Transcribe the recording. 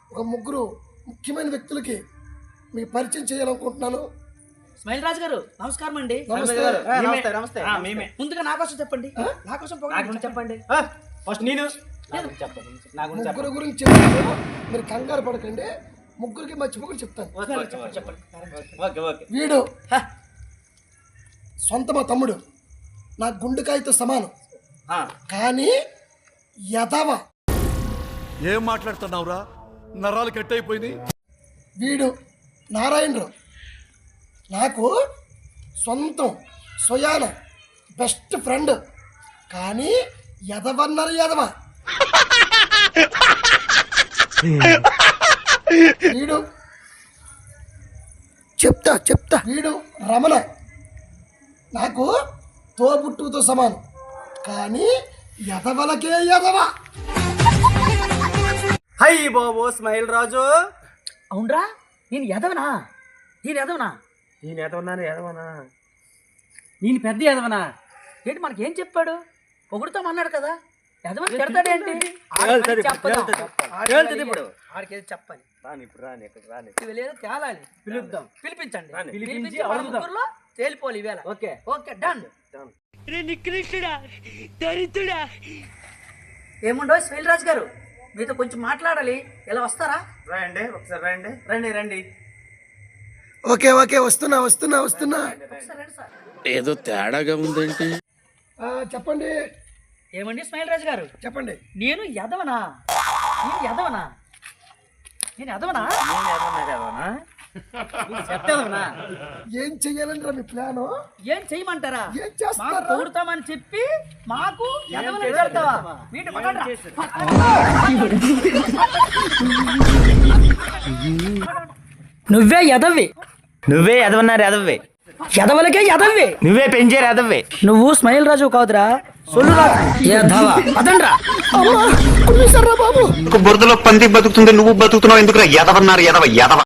ఒక ముగ్గురు ముఖ్యమైన వ్యక్తులకి మీకు పరిచయం చేయాలనుకుంటున్నాను. స్మైల్ రాజు గారు నమస్కారం అండి. నమస్తే. ముందుగా నా కోసం చెప్పండి. నా కోసం చెప్పండి. ఫస్ట్ నేను ముగ్గురు గురించి చెప్తాను, మీరు కంగారు పడకండి. ముగ్గురికి మర్చిపోకుండా చెప్తాను. ఓకే. వీడు సొంత మా తమ్ముడు, నా గుండెకాయతో సమానం, కానీ యదవ. ఏం మాట్లాడుతున్నావురా? నరాలు కట్ అయిపోయింది. వీడు నారాయణరావు, నాకు సొంతం స్వయాన బెస్ట్ ఫ్రెండ్, కానీ యదవన్నారు యదవ. వీడు చెప్తా వీడు రమణ, నాకు తోబుట్టుతో సమానం, కానీ యదవలకే యదవ. హై బాబు స్మైల్ రాజు. అవునరా, నేను ఎదవనా? నేను పెద్ద ఎదవనా? ఏంటి మనకేం చెప్పాడు? పొగుడుతామన్నాడు కదా, ఎదవని తిడతాడేంటి? ఇప్పుడు ఆడికేది చెప్పాలి. రాని ఇవి లేదు తేలాలి. పిలుద్దాం, పిలిపించండి. పిలిపించి మన అడుగుదాం. ముగ్గురులో తేలిపోవాలి ఈవేళ. Okay done. ఏముండో స్మైల్ రాజు గారు, మీతో కొంచెం మాట్లాడాలి. ఇలా వస్తారా? రాయండి ఒకసారి రండి. ఓకే వస్తున్నా. ఒకసారి రండి సార్. ఏదో తేడాగా ఉందేంటి? చెప్పండి. ఏమండి స్మైల్ రాజు గారు, చెప్పండి. నేను ఎదవనా? చెప్తాదవనా? ఏం చెయ్యాలంటారా మీ ప్లాను? ఏం చెయ్యమంటారా? ఏం చేస్తారా? మాకు పొగుడుతామని చెప్పి మాకు ఎదవని పెడతావా? వీటి పక్కన నువ్వే ఎదవి. నువ్వే ఎదవన్నారు ఎదవ్వే. ఎదవలకే ఎదవి. నువ్వే పెంచారు ఎదవ్వే. నువ్వు స్మైల్ రాజు కాదురా, సొల్లు రాజు. ఎదవా అదండ్రా. కుమ్మేశారా బాబు? బురదలో పంది బతుకుతుంది, నువ్వు బతుకుతున్నావు ఎందుకురా? ఎదవన్నారు ఎదవ.